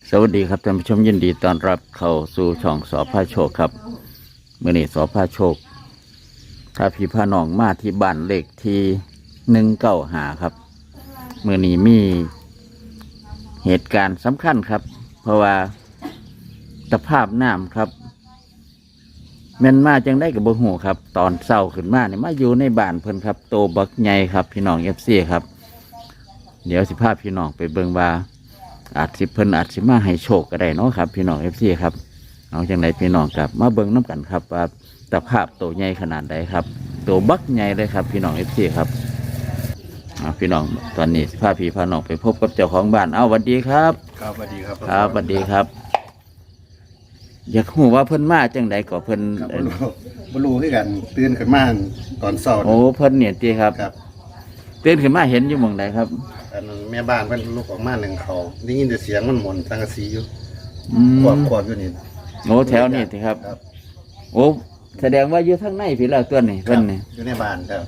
สวัสดีครับท่านผู้ชมยินดีต้อนรับเข้าสู่ช่องสอพาโชคครับมื่อนี้สอพาโชคถ้าพี่พาน้องมาที่บ้านเลขที่195ครับมื่อนี้มีเหตุการณ์สำคัญครับเพราะว่าสภาพน้ำครับแม่นมาจังได้กับบ่ฮู้ครับตอนเช้าขึ้นมาเนี่ยมาอยู่ในบ้านเพิ่นครับโตบักใหญ่ครับพี่น้องFCครับเดี๋ยวสิพาพี่น้องไปเบิ่งว่าอาจสิเพิ่นอาจสิมาให้โชคก็ได้เนาะครับพี่น้องFCครับเอาจังไดพี่น้องครับมาเบิ่งน้ำกันครับว่าสภาพโตใหญ่ขนาดใดครับโตบักใหญ่เลยครับพี่น้องFCครับพี่น้องตอนนี้พาพี่พาน้องไปพบกับเจ้าของบ้านสวัสดีครับครับสวัสดีครับครับสวัสดีครับอยากรู้ว่าเพิ่นมาจังไดก็เพิ่นบรูให้กันตื่นขึ้นมาตอนเช้าโอ้เพิ่นเนี่ยติครับครับตื่นขึ้นมาเห็นอยู่หม่องใดครับอันนั้นแม่บ้านเพิ่นลุกออกมาหนึ่งเขาได้ยินแต่เสียงมันหมุนสังกะสีอยู่ขวบอยู่นี่โอ้แถวนี้ติครับโอ้แสดงว่าอยู่ทางในพี่แล้วตัวนี้เพิ่นนี่อยู่ในบ้านครับ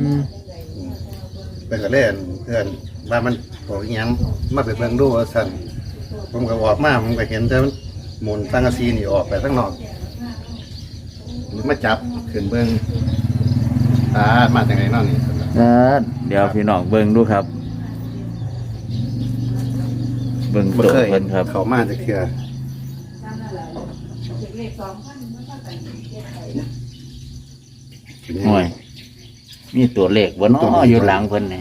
เป็นก็เล่นเพื่อนบ้านมันบอกอีหยังมาไปเบิ่งดูว่าซั่นผมก็ออกมาผมก็เห็นแต่มันหมุนสังกะสีนี่ออกไปข้างนอกมาจับขึ้นเบิ่งมาจากไหนนอนนี่เดี๋ยวพี่น้องเบิ่งดูครับเบิ่งโตเพิ่นครับเขามาจากเทื่อห่วยมีตัวเลขบ่เนาะอยู่หลังเพิ่นนี่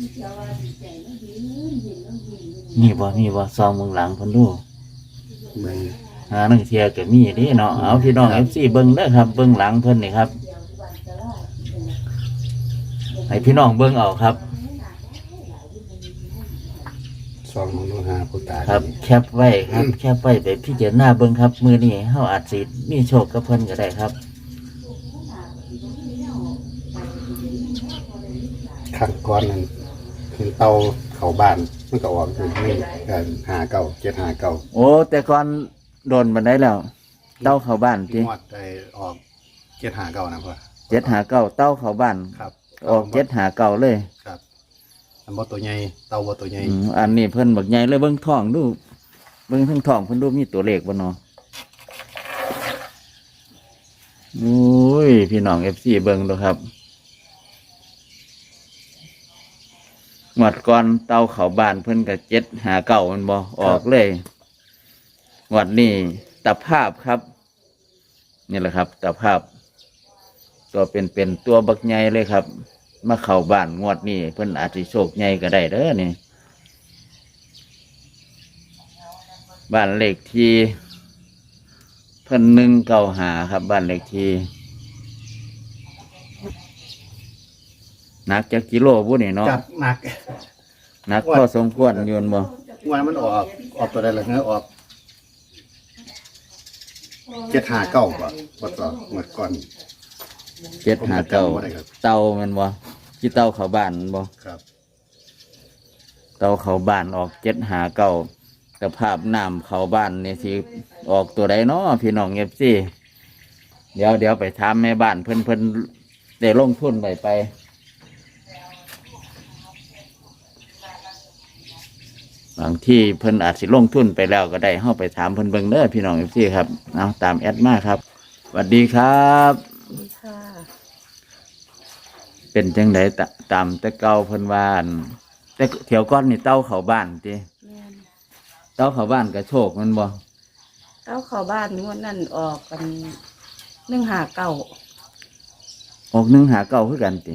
มีบ่ซองเบิ่งหลังเพิ่นดูเบิ่งนังเที่ยก็มีเด้เนาะเอาพี่น้อง FC เบิ่งเด้อครับเบิ่งหลังเพิ่นนี่ครับให้พี่น้องเบิ่งเอาครับซองมโนหาผู้ตายครับแคปไว้ครับแคปไว้ไปพิจารณาเบิ่งครับมื้อนี้เฮาอาจสิมีโชคกับเพิ่นก็ได้ครับข้างก้อนนั้นคือเตาเข้าบ้านมันก็ออกคือไม่กัน759 โอ้แต่ก่อนโดนบันไดแล้วเต้าเข้าบ้านติงวดได้ออก759นะพ่อ 759เต้าเข้าบ้านครับออก759เลยครับอันบ่ตัวใหญ่เตาบ่ตัวใหญ่อันนี้เพิ่นบักใหญ่เลยเบิ่งท้องดูเบิ่งทั้งท้องเพิ่นดูมีตัวเลขบ่เนาะโอ้ยพี่น้อง FC เบิ่งดูครับงวดก่อนเต้าเข้าบ้านเพิ่นก็759มันบ่ออกเลยงวดนี้ตะภาพครับนี่แหละครับตะภาพตัวเป็นตัวบักใหญ่เลยครับมาเข้าบ้านงวดนี้เพิ่นอาจสิโชคใหญ่ก็ได้เด้อนี่บ้านเลขที่เพิ่น195ครับบ้านเลขที่หนักจักกิโลบุนี่เนาะจับหนักพอสมควรอยู่บ่วันมันออกตัวใดล่ะเนื้อออก759บ่ต่อหมดก่อน 759เต่าแม่นบ่ที่เต่าเข้าบ้านบ่ครับเต่าเข้าบ้านออก759สภาพน้ำเข้าบ้านนี่สิออกตัวใดเนาะพี่น้อง FC เดี๋ยวไปถามแม่บ้านเพิ่นได้ลงทุนไปบางที่เพิ่นอาจสิลงทุนไปแล้วก็ได้เฮาไปถามเพิ่นเบิ่งเด้อพี่น้อง FC ครับเอาตามแอดมาครับสวัสดีครับค่ะเป็นจังไดตามแต่เก่าเพิ่นว่าแต่เที่ยวก่อนนี่เต้าเข้าบ้านติเต้าเข้าบ้านก็โชคมันบ่เต้าเข้าบ้านงวดนั้นออกกัน159 ออก159คือกันติ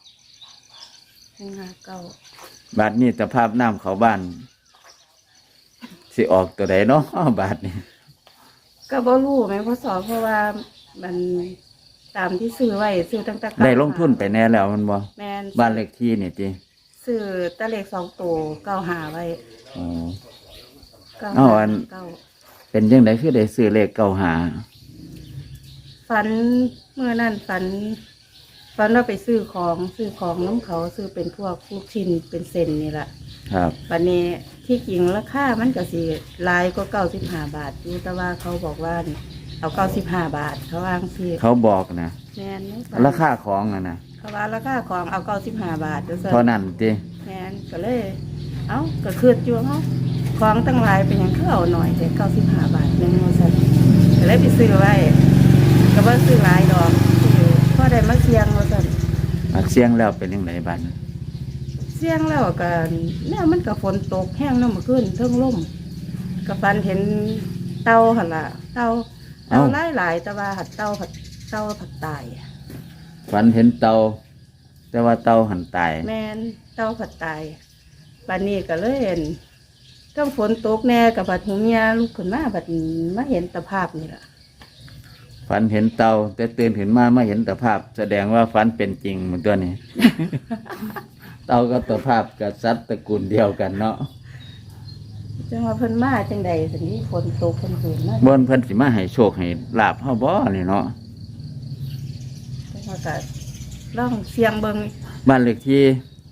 159 บาดนี้สภาพน้ำเข้าบ้านสิออกตัวใดเนาะบาดนี้ก็บ่รู้แม่พ่อสอเพราะว่ามันตามที่ซื้อไว้ซื้อตั้งแต่ได้ลงทุนไปแน่แล้วมันบ่แม่นบ้านเลขที่นี่ติซื้อตะเลข2ตัว95ไว้อ๋ออันเป็นจังไดคือได้ซื้อเลข95 ฝันเมื่อนั้นฝันเราไปซื้อของน้ำเขาซื้อเป็นพวกลูกชิ้นเป็นเซนนี่แหละครับวันนี้ที่จริงราคามันก็สิหลายกว่า95 บาทอยู่แต่ว่าเขาบอกว่าเอา95 บาทเขาวางสิเขาบอกนะแม่นราคาของนะเขาว่าราคาของเอา95 บาทเท่านั้นติแม่นก็เลยก็คืดอยู่เขาขของตั้งหลายเป็นหยังคือเอาหน่อยแต่95 บาทหนึงว่าซั่นก็เลยไปซื้อไว้ก็บ่ซื้อหลายดอกซื้อพอได้มาเสี่ยงว่าซั่นมักเสียงแล้วเป็นยังไงบ้านเสี่ยงแล้วก็แนวมันก็ฝนตกแห้งเนาะเมื่อคืนเทิงลมก็ฝันเห็นเต่าหั่นล่ะเต่าหลายๆแต่ว่าหัดเต่าผัดตายฝันเห็นเตาแต่ว่าเตาหันตายแม่นเต่าผัดตายบัดนี้ก็เลยเห็นต้องฝนตกแน่กับบัดหูเมียลุกขึ้นมาบัดมาเห็นตะภาพนี่ล่ะฝันเห็นเตาแต่ตื่นขึ้นมาเห็นตะภาพ แสดงว่าฝันเป็นจริงเหมือนตัวนี้ เตากับตะภาพกับสัตว์ตระกูลเดียวกันเนาะจังว่าเพิ่นมาจังใดสินี้ฝนตกเพิ่นตื่นมาบนเพิ่นสิมาให้โชคให้ลาบเฮาบ่นี่เนาะจังว่าก็ลองเสียงเบิ่งบ้านเลขที่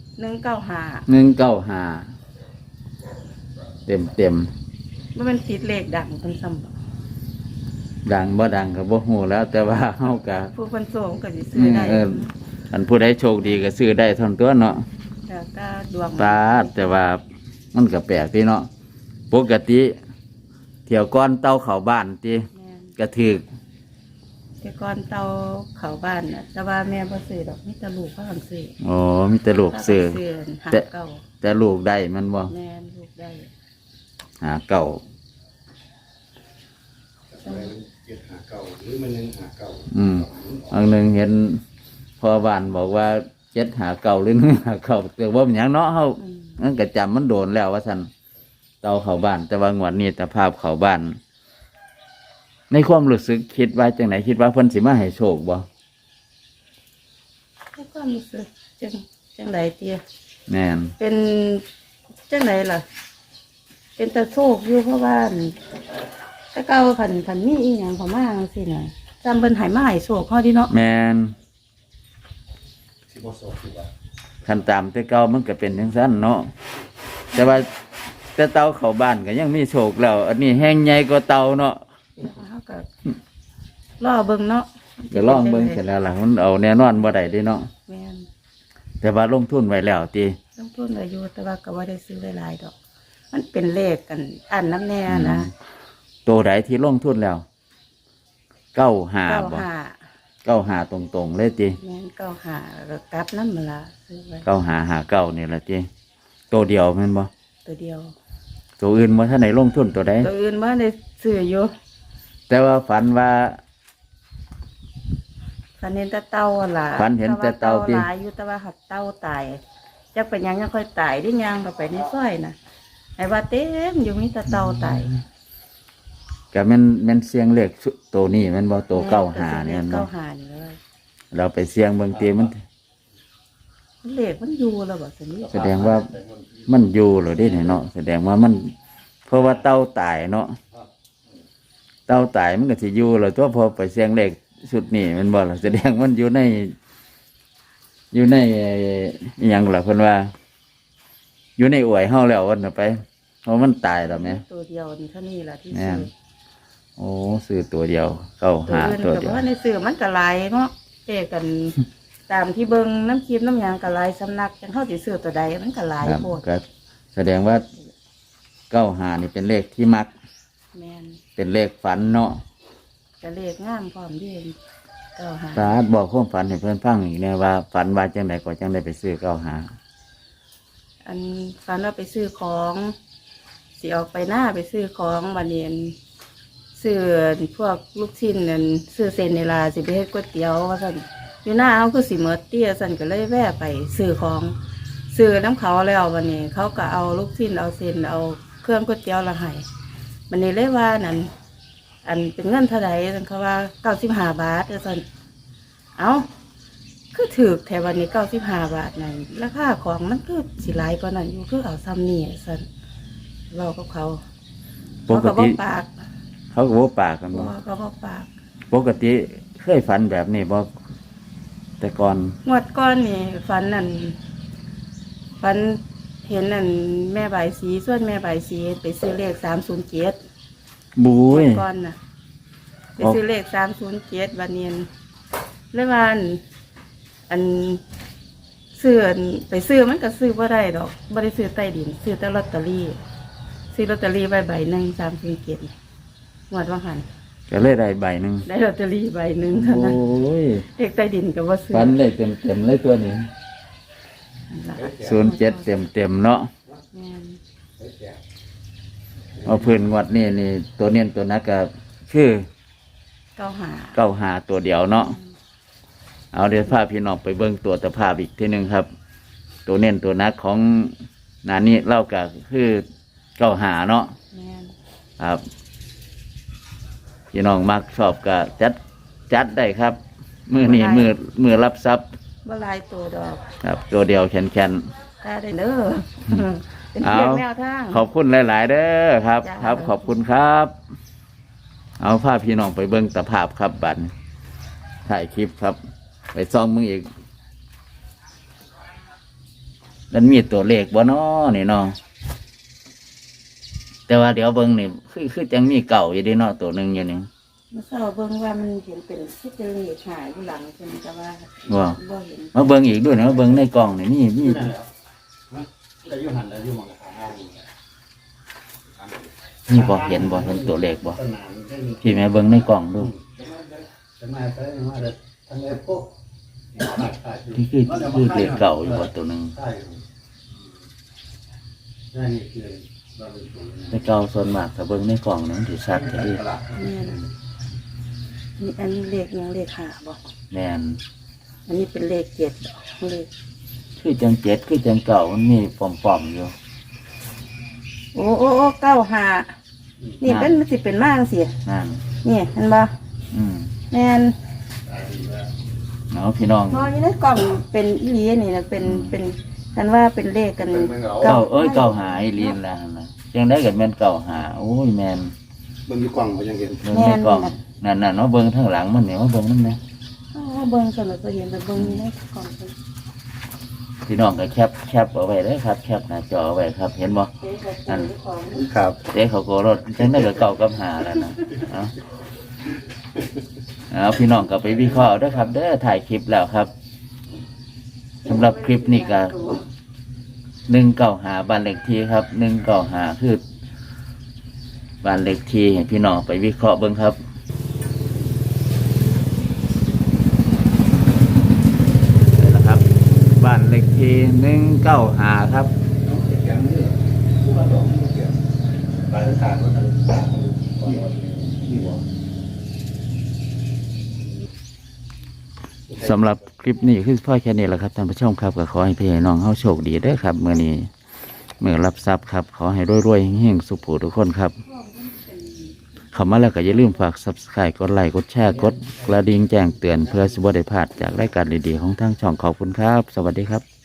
195 195เต็มบ่แม่นติดเลขดังเพิ่นซ้ำบ่ดังบ่ดังก็บ่ฮู้แล้ว แต่ว่าเฮาก็ผู้เพิ่นโสมก็สิซื้อได้อันผู้ใดโชคดีก็ซื้อได้เท่านั้นตัวเนาะแล้วก็ดวงปาดแต่ว่ามันก็แปลกที่เนาะปกติเที่ยวก้อนเต้าเข้าบ้านติแม่นกระถึกแต่ก่อนเตาเข้าบ้านน่ะแต่ว่าแม่บ่ซื้อดอกมีแต่ลูกพากันซื้ออ๋อมีแต่ลูกซื้อหาแต่เก่าแต่ลูกได้มันบ่แม่นลูกได้หาเก่าหรือมันยังหาเก่าอันหนึ่งเห็นพ่อบ้านบอกว่า7หาเก่าหรือ1หาเก่าแต่ว่าเป็นหยังเนาะเฮาอืมมันก็จำมันโดนแล้วว่าซั่นเตาเข้าบ้าน แต่ว่างวดนี้ตะภาพเข้าบ้าน ในความรู้สึกคิดว่าจังไหนคิดว่าเพิ่นสิมาให้โชคบ่แล้วก็รู้สึกจังไดเตี้ยแม่นเป็นจังไดล่ะ เป็นตะโชคอยู่เพราะว่าถ้าเก่าผันมีอีหยังเข้ามาจังซี่น่ะจำเพิ่นให้มาให้โชคเฮาดิเนาะแม่นสิบ่โศกสิว่าคันตามแต่เก่ามันก็เป็นจังซั่นเนาะแต่ว่าแต่เตาเข้าบ้านก็ยังมีโชคแล้ว อันนี้แห้งใหญ่กว่าเตาเนาะเฮาก็รอเบิ่งเนาะก็ลองเบิ่งเสร็จแล้วล่ะมันเอาแน่นอนบ่ได้เด้เนาะแม่นแต่ว่าลงทุนไว้แล้วติลงทุนไว้อยู่แต่ว่าก็บ่ได้ซื้อหลายๆดอก มันเป็นเลขกันอันน้ำแน่นะตัวใดที่ลงทุนแล้ว95บ่ 95 95ตรงๆเลยติแม่น95แล้วก็กลับนำมาละซื้อไว้ 9559นี่ล่ะติตัวเดียวแม่นบ่ตัวเดียวตัวอื่นบ่ทันได้ลงทุนตัวใดตัวอื่นบ่ได้ซื้ออยู่แต่ว่าฝันว่าฝันเห็นแต่เต่าหั่นล่ะฝันเห็นแต่เต่าติหลายอยู่แต่ว่าหักเต่าตายจักเป็นหยังยังค่อยตายได้ยังเข้าไปในซอยน่ะไอ้ว่าเต็มอยู่มีแต่เต่าตายก็แม่นเสียงเลขตัวนี้แม่นบ่ตัว95เนี่ยเก้าเนาะหานี่เลยเราไปเสียงเบิ่งติมันเลขมันอยู่แล้วบ่สินี้แสดงว่ามันอยู่เหรอเด้เนี่ยเนาะแสดงว่ามัน เพราะว่าเต้าตายเนาะเต้าตายมันก็สิอยู่เหรอตัวพอไปเสียงเลขสุดนี่มันบ่ล่ะแสดงมันอยู่ในอิหยังล่ะเพิ่นว่า อยู่ในอวยเฮาแล้ววันน่ะไปเพราะมันตายแล้วแม่ตัวเดียวนี่เท่านี้ล่ะที่แม่ซื้นอโอ้ซื้อตัวเดียวเข้าตัวหาอื่นตัวก็เดียวว่าในซื้อมันก็หลายเนาะเจกัน ตามที่เบิ่งน้ำคลิปน้ำหยังก็หลายสำนักจังเฮาสิซื้อตัวใดมันก็หลายครับโพดก็แสดงว่า95นี่เป็นเลขที่มักแม่นเป็นเลขฝันเนาะก็เลขงามพร้อมเด้เก้าหาสาธุบอกความฝันให้เพื่อนฟังอีกแน่ว่าฝันว่าจังไดก็จังได้ไปซื้อ95 อันฝันว่าไปซื้อของสิออกไปหน้าไปซื้อของบัดนี้อันซื้อพวกลูกชิ้นนั่นซื้อเส้นในลาสิไปเฮ็ดก๋วยเตี๋ยวว่าซั่นอยู่หน้าเฮาคือสิหมดเตี้ยซั่นก็เลยแวะไปซื้อของซื้อน้ำเขาแล้วบัดนี้ เขาก็เอาลูกชิ้นเอาเส้นเอาเครื่องก๋วยเตี๋ยวละให้บัดนี้เลยว่านั่นอันเป็นเงินเท่าใดซั่นเขาว่า95 บาทซั่นเอ้าคือถูกแถววันนี้95 บาทนั่นราคาของมันคือสิหลายกว่านั้นอยู่คือเอาซ้ำนี่ซั่นเว้ากับเขาปเขากก็บอติกปากเขาก็บ่ปากกันบบ่อกเขาบอกปากปกติเคยฝันแบบนี้บ่แต่ก่อนงวดก้อนนี่ฝันนั่นฝันเห็นนั่นแม่ใบายสีส่วนแม่ใบายสีไปซื้อเลข307 บุ้ยก้อนน่ะไปซื้อเลข307วันเนียนเลยว่าอันซื้ออันไปซื้อมันก็ซื้อบ่ได้ดอกบ่ได้ซื้อใต้ดินซื้อแต่ลอตเตอรี่ซื้อลอตเตอรี่ใบหนึ่ง347งวดว่าหันก็เลยได้ใบหนึ่งได้ลอตเตอรี่ใบหนึ่งเท่าโอ้นั้นยเลขใต้ดินก็บ่ซื้อฟันเลยเต็มเลยตัวนี้นั่นล่ะ 07เต็มเนาะแม่นเอาเพื้นงวดนี่ตัวเน้นตัวนักก็คือ 95 95ตัวเดียวเนาะเอาเดี๋ยวพาพี่น้องไปเบิ่งตัวตะภาพอีกทีหนึ่งครับ ตัวเน้นตัวนักของนานี่เล่าก็คือ95เนาะแม่นครับพี่น้องมักชอบก็จัดได้ครับ มือนี่มือรับทรัพย์บ่หลายตัวดอกครับ ตัวเดียวแขนตาได้เด้อเป็นเพียงแนวทางๆขอบคุณหลาย ๆ เด้อครับจ้าครับ ขอบคุณครับ เอาภาพพี่น้องไปเบิ้งตะภาพครับบัดถ่ายคลิปครับ ไปซ่องมึงอีกมันมีตัวเลขบ่น้อนี่น้องแต่ว่าเดี๋ยวเบิ้งนี่คือจังมีเก่าอยู่ดีเนาะตัวหนึ่งอยู่นี่เมื่อเช้าเบิ่งว่ามันเห็นเป็นที่เป็นเลขหายอยู่หลังเพิ่นแต่ว่าว่าบ่เห็นมาเบิ้งอีกด้วยนะมาเบิ้งในกล่องนี่มีได้อยู่หันได้อยู่หมองทางห้างนี่บ่เห็นตัวเลขบ่ต้นน้ำได้มีพี่แม่เบิ้งในกล่องดูจะมาใช้มาเด็ดทางไอ้พวกที่คือเลขเก่าอยู่บ่ตัวหนึ่งใช่ได้นี่คือเราเป็นตัวแต่เก่าส่วนมากถ้าเบิ้งในกล่องนั้นถือชัดแท้ดิแม่นนี่อันนี้เลขยังเลขหาบ่แม่นอันนี้เป็นเลข7ดอกเลขคือจังเจ็ดคือจังเก่ามันมีปอมๆอยู่โอ้95นี่เป็นมันสิเป็นมาจังซี่นั่นนี่เห็นบ่อืมแม่นเอาพี่น้องพออยู่ในกล่องเป็นอีหลีนี่นะเป็นกันว่าเป็นเลขกันเก่าหายลีนแล้วนะจังได้กับแม่นเก่าหาโอ้ยแม่นเบิ่งอยู่กล่องก็ยังเห็นเบิ่งในกล่องนั่นเนาะเบิ่งข้างหลังมันเนี่ยว่าเบิ่งนั่นนะอ๋อเบิ่งสนุกก็เห็นแต่เบิ่งอยู่ในกล่องเป็นพี่น้องก็แคปเอาไว้เด้อครับแคปหน้าจอเอาไว้ครับ เห็นบ่เลขกันของครับเจ๊เขาก็รถจังได้กับเก่ากับหาแล้วนะเอาพี่น้องก็ไปวิเคราะห์เด้อครับ เด้อถ่ายคลิปแล้วครับสำหรับคลิปนี้ก็195บ้านเลขที่ครับ195คือบ้านเลขที่ให้พี่น้องไปวิเคราะห์เบิ่งครับนี่แหละครับ บ้านเลขที่195ครับปลายทางก็ทางนี่บ่สำหรับคลิปนี้คือพ่อแค่นี้แหละครับท่านผู้ชมครับก็ขอให้พี่ให้น้องเฮาโชคดีเด้อครับเมื่อนี้เมื่อรับทรัพย์ครับ ขอให้รวยๆเฮงๆสุขทุกคนครับเข้ามาแล้วก็อย่าลืมฝาก Subscribe กดไลค์กดแชร์กดกระดิ่งแจ้งเตือนเพื่อสิบ่ได้พลาดจากรายการดีๆของทางช่องขอบคุณครับ สวัสดีครับ